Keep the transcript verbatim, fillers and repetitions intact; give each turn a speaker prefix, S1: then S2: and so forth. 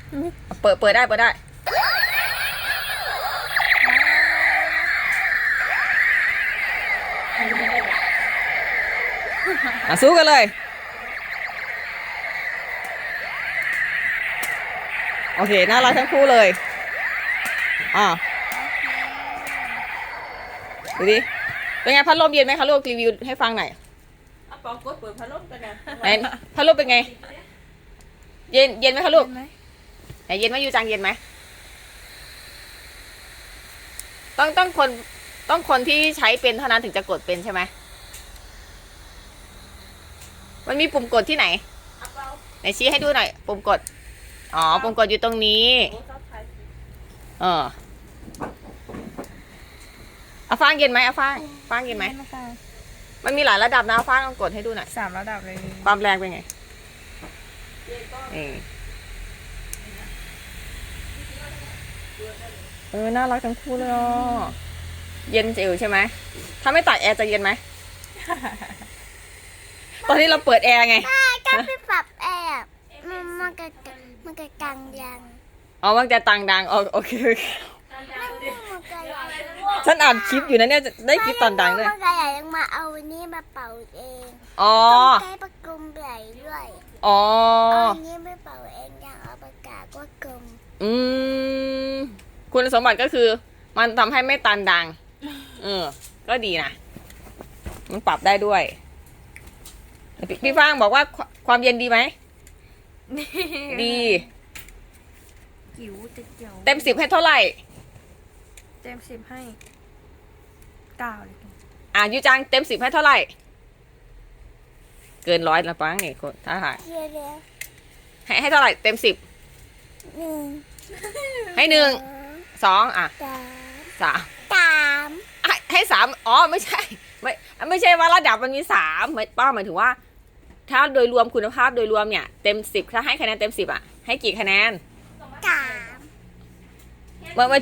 S1: เปิดเปิดได้เปิดได้อ่ะสู้กันเลยโอเคน่ารักทั้งคู่เลยอ่าดูดิเป็นไงพัดลมเย็นไหมคะลูกรีวิวให้ฟังหน่อย
S2: เอาปองกดเปิดพัดลมกันนะ
S1: ไหนพัดลมเป็นไง เย็นเย็นไหมคะลูก
S3: เห็นไหม
S1: ไหนเย็นไหมยูจังเย็นไหมต้องต้องคนต้องคนที่ใช้เป็นเท่านั้นถึงจะกดเป็นใช่ไหมมันมีปุ่มกดที่ไหน
S2: เอาเปล่า
S1: ไหนชี้ให้ดูหน่อยปุ่มกดอ๋อปุ่มกดอยู่ตรงนี้
S2: โอ้ชอบไทย
S1: เออเอาฟางเย็นไหมเอาฟางฟางเย็นไหม
S3: นะคะ
S1: มันมีหลายระดับนะเอาฟางลองกดให้ดูหน่อย
S3: สามระดับเลย
S1: ความแรงเป็นไง
S2: เย็นก็
S1: เออเออน่ารักทั้งคู่เลยอ่ะเย็นจิ๋วใช่ไหมถ้าไม่ตัดแอร์จะเย็นไหม ตอนนี้เราเปิดแอร์ไง
S4: ก็ไปปรับแอบมันมันก็มันก็กังยัง
S1: อ๋อมันจะตังดังอ๋อโอเคโอเค
S4: มันก็อยาก
S1: ฉันอ่านคลิปอยู่นะเนี่ยจะได้คลิปตอนดังด้วย
S4: มันก็อยากมาเอาอันนี้มาเป่าเอง
S1: อ๋อ
S4: ต้องใช้ประกุมไหลด้วย
S1: อ๋อ
S4: เอาอันนี้ไม่เป่าเองอย่างเอาปากกาก็กลม
S1: อืมคุณสมบัติก็คือ มันทำให้ไม่ตันดัง เออ ก็ดีนะ มันปรับได้ด้วย พี่พี่ฟางบอกว่าควความเย็นดีไหม ดี
S3: จิ๋วจะเจียว
S1: เต็มสิบให้เท่าไหร่
S3: เต็มสิบให้เก้าเลย
S1: อ่ะยูจังเต็มสิบให้เท่าไหร่ เกินร้อยละปังนี่คนถ้าหาย
S4: เดี๋ยวเดี๋ยว
S1: ให้ให้เท่าไหร่เต็มสิบ
S4: หนึ่ง
S1: ให้หนึ่งสองอ่ะ
S4: สาม
S1: สาม
S4: สาม
S1: ให้ให้สามอ๋อไม่ใช่ ไม่ไม่ใช่ว่าระดับมันมีสามหมายป้าหมายถึงว่า ถ้าโดยรวมคุณภาพโดยรวมเนี่ยเต็มสิบถ้าให้คะแนนเต็มสิบอ่ะให้กี่คะแนน
S4: สาม
S1: เมื่อเมื่อ